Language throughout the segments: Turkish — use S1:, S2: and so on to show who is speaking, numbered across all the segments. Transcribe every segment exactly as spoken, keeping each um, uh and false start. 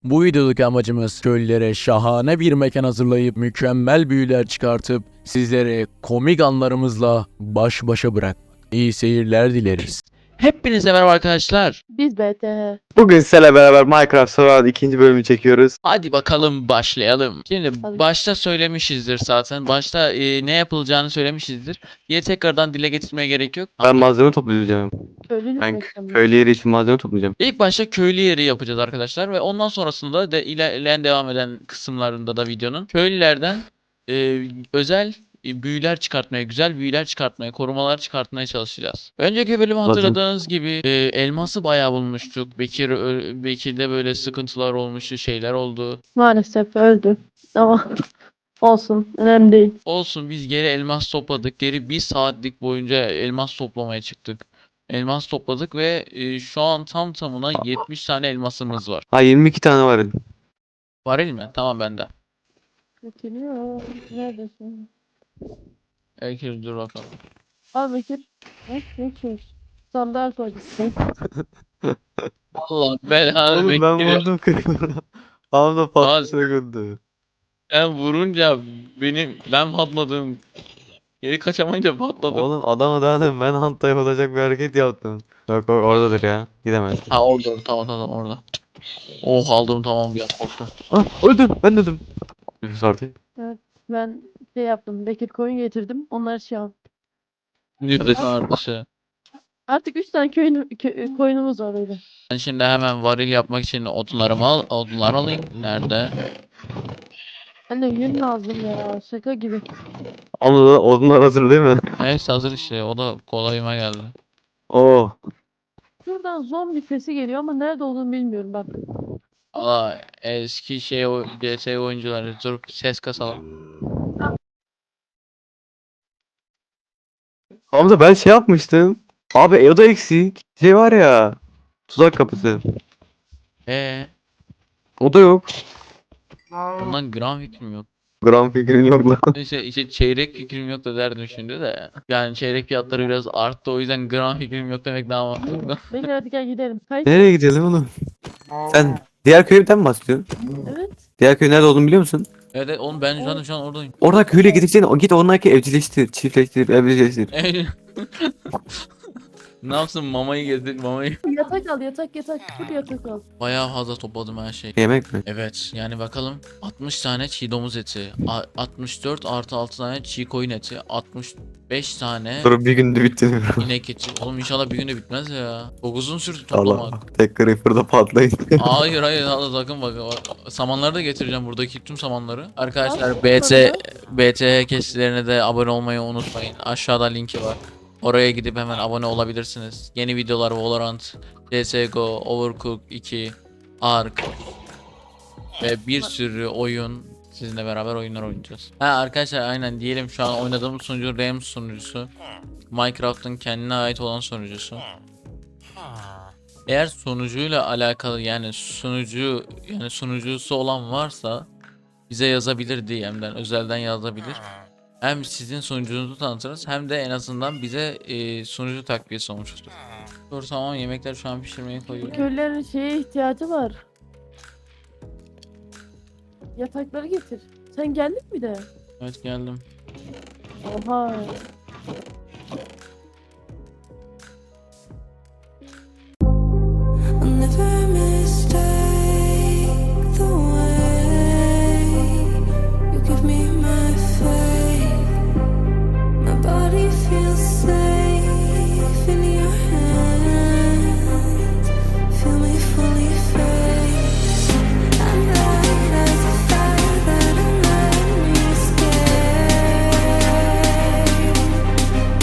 S1: Bu videodaki amacımız köylülere şahane bir mekan hazırlayıp mükemmel büyüler çıkartıp sizlere komik anlarımızla baş başa bırakmak. İyi seyirler dileriz.
S2: Hepinize merhaba arkadaşlar.
S3: Biz B T H.
S4: Bugün sizlerle beraber Minecraft Survival ikinci bölümü çekiyoruz.
S2: Hadi bakalım başlayalım. Şimdi
S3: Hadi.
S2: başta söylemişizdir zaten. Başta e, ne yapılacağını söylemişizdir. Diye tekrardan dile getirmeye gerek yok.
S4: Ben malzeme toplayacağım.
S3: Köylülük
S4: Ben
S3: mekanı.
S4: köylü yeri için malzeme toplayacağım.
S2: İlk başta köylü yeri yapacağız arkadaşlar ve ondan sonrasında da ilerleyen devam eden kısımlarında da videonun köylülerden e, özel e, büyüler çıkartmaya, güzel büyüler çıkartmaya, korumalar çıkartmaya çalışacağız. Önceki bölümü hatırladığınız gibi e, elması bayağı bulmuştuk. Bekir ö- Bekir'de böyle sıkıntılar olmuştu, şeyler oldu.
S3: Maalesef öldü. Ama olsun. Önemli değil.
S2: Olsun, biz geri elmas topladık. Geri bir saatlik boyunca elmas toplamaya çıktık. Elmas topladık ve e, şu an tam tamına yetmiş tane elmasımız var.
S4: Ha yirmi iki tane var.
S2: Varil mi? Tamam bende.
S3: Getiriyor. Neredesin?
S2: Bekir dur bakalım.
S3: Al Bekir. Ne? Ne şey? Sandal koyacaksın.
S2: Allah belanı
S4: Oğlum ben
S2: Bekir'e.
S4: vurdum kırıklarına. Ağzımda
S2: Ağzı-
S4: patlasına güldü.
S2: Ben vurunca benim ben patladım. Geri kaçamayınca patladım.
S4: Oğlum adama daha ben hunt yapılacak bir hareket yaptım. Yok o oradadır ya. Gidemez.
S2: Ha orada tamam tamam orada. Oh aldım tamam ya korktum.
S4: Ah öldüm ben öldüm. Nefes artık.
S3: Ben şey yaptım. Bekir koyun getirdim. Onlar şey yaptı.
S2: Nefes artışı.
S3: Artık üç tane köyün, kö- koyunumuz var öyle.
S2: Ben şimdi hemen varil yapmak için odunlarımı al, odunlar alayım. Nerede?
S3: Anne yün lazım ya. Şaka gibi.
S4: Ama da odunlar hazır değil mi?
S2: Neyse hazır işte o da kolayıma geldi.
S4: Oo.
S3: Şuradan zombi sesi geliyor ama nerede olduğunu bilmiyorum bak.
S2: Aa eski şey o C S oyuncuları dur ses kasalım.
S4: Hamza ben şey yapmıştım. Abi e, o da eksik. Şey var ya. Tuzak kapısı.
S2: Ee,
S4: O da yok.
S2: bundan gram fikrim yok.
S4: Gram fikrin yok lan.
S2: Neyse işte çeyrek fikrim yok da derdim şimdi de. Yani çeyrek fiyatları biraz arttı o yüzden gram fikrim yok demek daha mantıklı.
S3: Bekir hadi gel gidelim. Kayıt.
S4: Nereye gidelim oğlum? Sen diğer köyden mi bahsediyorsun?
S3: Evet.
S4: Diğer köy nerede olduğunu biliyor musun?
S2: Evet evet, oğlum ben zaten şu an oradayım.
S4: Orada köyle gideceksin. O git onlarki evcilleştir, çiftleştir, evcilleştir.
S2: Ne yapsın mamayı getir mamayı.
S3: Yatak al yatak yatak. Full yatak al.
S2: Bayağı fazla topladım her şeyi.
S4: Yemek mi?
S2: Evet yani bakalım altmış tane çiğ domuz eti, a- altmış dört artı altı tane çiğ koyun eti, altmış beş tane
S4: Dur bir günde bitti.
S2: inek eti. Oğlum inşallah bir günde bitmez ya. Çok uzun sürdü
S4: Allah.
S2: toplamak.
S4: Tek creeper'da patlayın.
S2: Hayır hayır Allah sakın bak. bak. Samanları da getireceğim buradaki tüm samanları. Arkadaşlar
S3: Nasıl
S2: B T
S3: sonra?
S2: B T H kesilerine de abone olmayı unutmayın. Aşağıda linki var. Oraya gidip hemen abone olabilirsiniz. Yeni videolar Valorant, C S G O, Overcooked iki, Ark ve bir sürü oyun sizinle beraber oyunlar oynayacağız. Ha arkadaşlar aynen diyelim şu an oynadığımız sunucu RAM sunucusu. Minecraft'ın kendine ait olan sunucusu. Eğer sunucuyla alakalı yani sunucu yani sunucusu olan varsa bize yazabilir D M'den özelden yazabilir. Hem sizin sunucunuzu tanıtırız hem de en azından bize e, sunucu takviyesi olmuş olur. Dur tamam yemekler şu an pişirmeye koyuyorum.
S3: Köylülerin şeye ihtiyacı var. Yatakları getir. Sen geldin mi de?
S2: Evet geldim.
S3: Oha.
S5: I'll never mistake the way you give me my faith. My body feels safe in your hands. Feel me fully fade. I'm light as a fire that'll let me escape.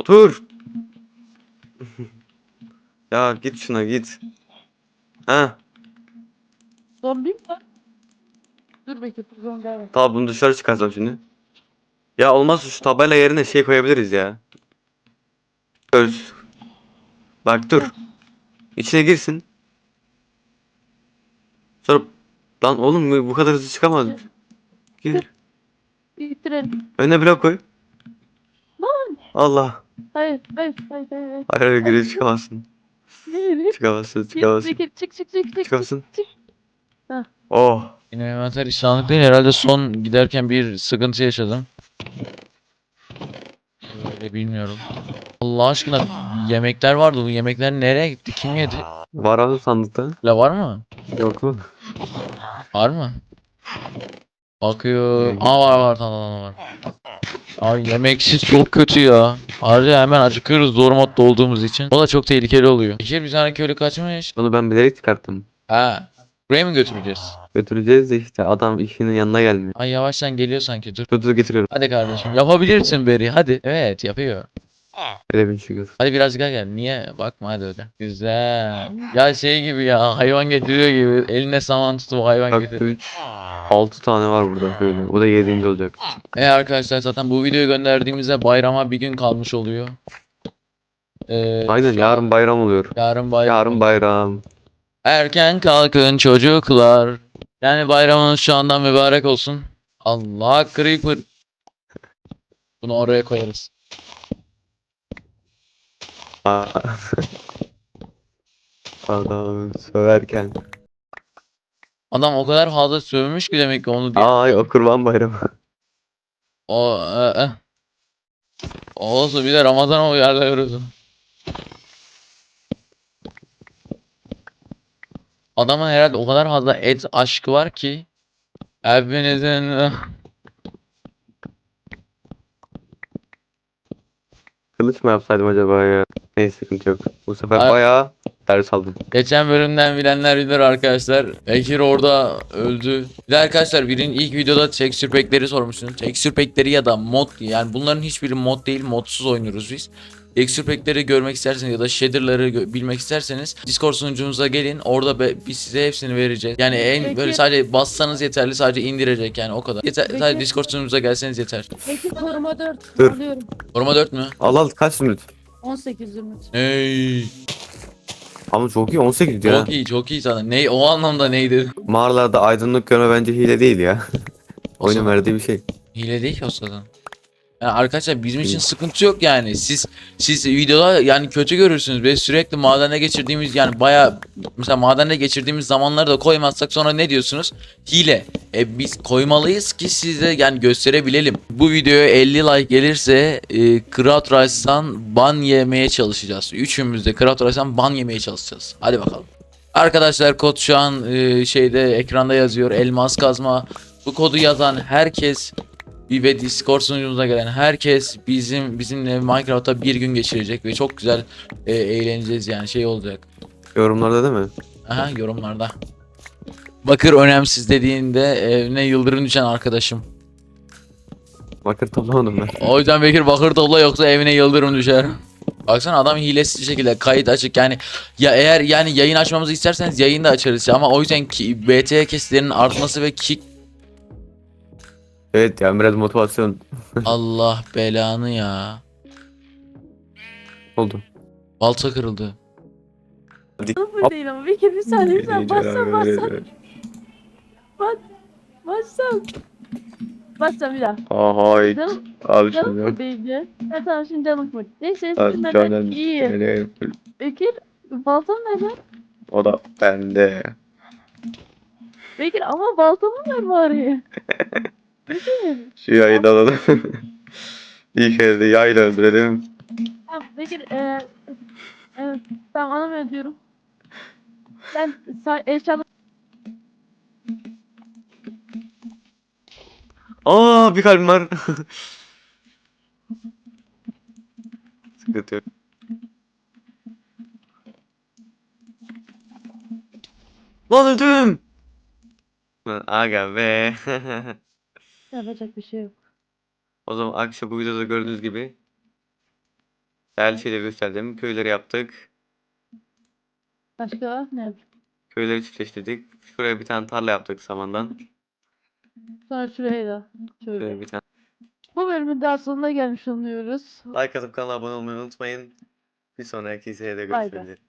S4: Otur. Ya git şuna git. Ha,
S3: Zombiyim ben. Dur Bekir, zombi gelme.
S4: tamam bunu dışarı çıkarsam şimdi. Ya olmazsa şu tabela yerine şey koyabiliriz ya. Öz. Bak dur. İçine girsin. Sonra lan oğlum bu kadar hızlı çıkamaz. Gir.
S3: Bitirelim.
S4: Önüne blok koy.
S3: Lan.
S4: Allah.
S3: Hayır, hayır, hayır, hayır. hayır.
S4: Hayır hayır geri çıkamazsın.
S3: Hayır.
S4: Çıkamazsın
S3: Git
S4: çıkamazsın.
S3: Bekir, çık çık çık çık.
S4: Çıkamazsın.
S3: Çık.
S4: Oh.
S2: Yine envanter işlemlik değil. Herhalde son giderken bir sıkıntı yaşadım. Öyle bilmiyorum. Allah aşkına yemekler vardı. Bu yemekler nereye gitti? Kim yedi?
S4: Var abi sandıkta.
S2: La var mı?
S4: Yok mu?
S2: Var mı? Bakıyor. Aa var var tamam tamam var. Abi yemeksiz çok kötü ya. Ayrıca hemen acıkıyoruz zor modda olduğumuz için. O da çok tehlikeli oluyor. Bir bir tane köylü kaçmış.
S4: Onu ben bilerek çıkarttım.
S2: Ha. Buraya mı götüreceğiz?
S4: Götüreceğiz de işte adam işinin yanına gelmiyor.
S2: Ay yavaştan geliyor sanki dur.
S4: Dur dur getiriyorum.
S2: Hadi kardeşim yapabilirsin Beri hadi. Evet yapıyor.
S4: Öyle bir şükür.
S2: Hadi biraz gel gel. Niye? Bakma hadi öyle. Güzel. Ya şey gibi ya hayvan getiriyor gibi. Eline saman tutup hayvan
S4: Bak
S2: getiriyor.
S4: üç, altı tane var burada böyle. Bu da yedinci olacak.
S2: E arkadaşlar zaten bu videoyu gönderdiğimizde bayrama bir gün kalmış oluyor. Ee,
S4: Aynen yarın bayram oluyor.
S2: yarın bayram.
S4: Yarın bayram.
S2: Erken kalkın çocuklar. Yani bayramınız şu andan mübarek olsun. Allah creeper. Bunu oraya koyarız.
S4: Aa. Adam söverken.
S2: Adam o kadar fazla sövmüş ki demek ki onu diye.
S4: Ay o kurban bayramı.
S2: O e, e. Olsun bir de Ramazan uyarlıyoruz. Adamın herhalde o kadar fazla et aşkı var ki. Hepinizin
S4: Kılıç mı yapsaydım acaba ya? Neyse sıkıntı yok. Bu sefer
S2: Ay-
S4: bayağı ders aldım.
S2: geçen bölümden bilenler bilir arkadaşlar. Bekir orada öldü. Bir de arkadaşlar birinin ilk videoda texture pack'leri sormuşsunuz. Texture pack'leri ya da mod yani bunların hiçbiri mod değil modsuz oynuyoruz biz. Texture pack'leri görmek isterseniz ya da shader'ları gö- bilmek isterseniz Discord sunucumuza gelin. Orada be- biz size hepsini vereceğiz. Yani en
S3: Peki.
S2: böyle sadece bassanız yeterli sadece indirecek yani o kadar. Yeter,
S3: Peki.
S2: sadece Discord sunucumuza gelseniz yeter.
S3: Bekir koruma dört.
S4: Dur.
S3: Alıyorum.
S2: Koruma dört mü?
S4: Al al kaç zümrüt?
S3: on sekiz zümrüt.
S2: Hey.
S4: Ama çok iyi on sekiz ya.
S2: Çok iyi çok iyi sana. Ne o anlamda neydi?
S4: Mağaralarda aydınlık görme bence hile değil ya. Oyunun
S2: zaman-
S4: verdiği bir şey.
S2: Hile değil ki o zaten. Yani arkadaşlar bizim için sıkıntı yok yani. Siz siz videoda yani kötü görürsünüz. Ve sürekli madene geçirdiğimiz yani baya mesela madende geçirdiğimiz zamanları da koymazsak sonra ne diyorsunuz? Hile. E biz koymalıyız ki size yani gösterebilelim. Bu videoya elli like gelirse e, Craft Rice'dan ban yemeye çalışacağız. Üçümüz de Craft Rice'dan ban yemeye çalışacağız. Hadi bakalım. Arkadaşlar kod şu an e, şeyde ekranda yazıyor. Elmas kazma. Bu kodu yazan herkes ve Discord sunucumuza gelen herkes bizim bizimle Minecraft'ta bir gün geçirecek ve çok güzel e, eğleneceğiz yani şey olacak.
S4: Yorumlarda değil mi?
S2: Aha yorumlarda. Bakır önemsiz dediğinde evine yıldırım düşen arkadaşım.
S4: Bakır toplamadım ben.
S2: O yüzden Bekir bakır topla yoksa evine yıldırım düşer. Baksana adam hilesiz bir şekilde kayıt açık yani ya eğer yani yayın açmamızı isterseniz yayın da açarız ama o yüzden ki B T kesitlerinin artması ve kick
S4: Evet ya biraz motivasyon
S2: Allah belanı ya.
S4: oldu.
S2: Balta kırıldı.
S3: Sıfır değil ama Bekir bir saniye bir saniye. Bassam bassam. Bassam. Bassam bir daha.
S4: Ay
S3: Canım,
S4: abi
S3: canım
S4: şimdi yok.
S3: mı değdi? Ha tamam şimdi canım mı? Neyse
S4: Abi
S3: eskiden
S4: canım
S3: iyi.
S4: seni-
S3: Bekir baltam nerede?
S4: O da bende.
S3: Bekir ama baltamı ver bari. Bekir.
S4: Şu yayı da alalım. İlk elde yayla öldürelim.
S3: Tamam Bekir eee evet tamam anlamıyorum diyorum. Ben say eşyalı
S4: Aa bir kalbim var. Sıkıntı yok. Lan öldüm. Lan aga be.
S3: yapacak bir şey yok.
S4: O zaman akşam bu videoda gördüğünüz gibi Değerli şeyleri gösterdim. Köyleri yaptık.
S3: Başka ne?
S4: Köyleri çiftleştirdik. Şuraya bir tane tarla yaptık samandan.
S3: Sonra şuraya da. Şöyle.
S4: Şuraya bir tane.
S3: Bu bölümün daha sonuna gelmiş oluyoruz.
S4: Like atıp kanala abone olmayı unutmayın. Bir sonraki seride
S3: Bay bay.
S4: görüşmek üzere.